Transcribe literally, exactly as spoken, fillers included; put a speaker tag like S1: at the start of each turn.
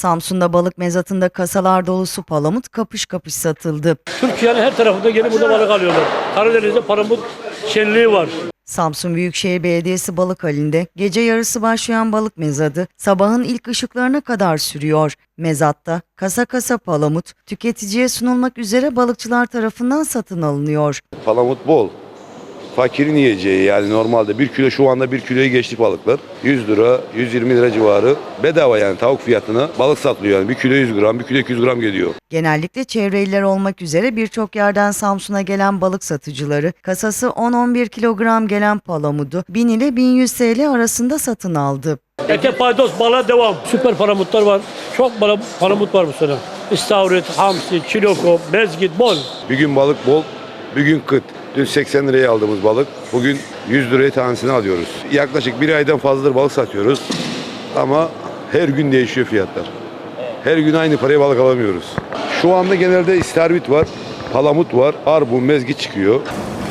S1: Samsun'da balık mezatında kasalar dolusu palamut kapış kapış satıldı.
S2: Türkiye'nin her tarafında gelip burada balık alıyorlar. Karadeniz'de palamut şenliği var.
S1: Samsun Büyükşehir Belediyesi balık halinde gece yarısı başlayan balık mezadı sabahın ilk ışıklarına kadar sürüyor. Mezatta kasa kasa palamut tüketiciye sunulmak üzere balıkçılar tarafından satın alınıyor.
S3: Palamut bol. Fakirin yiyeceği, yani normalde bir kilo, şu anda bir kiloyu geçti balıklar. yüz lira, yüz yirmi lira civarı bedava, yani tavuk fiyatına balık satılıyor. Yani bir kilo yüz gram, bir kilo iki yüz gram geliyor.
S1: Genellikle çevre iller olmak üzere birçok yerden Samsun'a gelen balık satıcıları kasası on on bir kilogram gelen palamudu bin ile bin yüz T L arasında satın aldı.
S2: Ete paydos balığa devam. Süper palamutlar var. Çok balık, palamut var bu sene. İstavrit, hamsi, çiloko, mezgit bol.
S3: Bir gün balık bol, bir gün kıt. Dün seksen liraya aldığımız balık bugün yüz liraya tanesini alıyoruz. Yaklaşık bir aydan fazladır balık satıyoruz ama her gün değişiyor fiyatlar. Her gün aynı paraya balık alamıyoruz. Şu anda genelde istavrit var, palamut var, arbun, mezgit çıkıyor.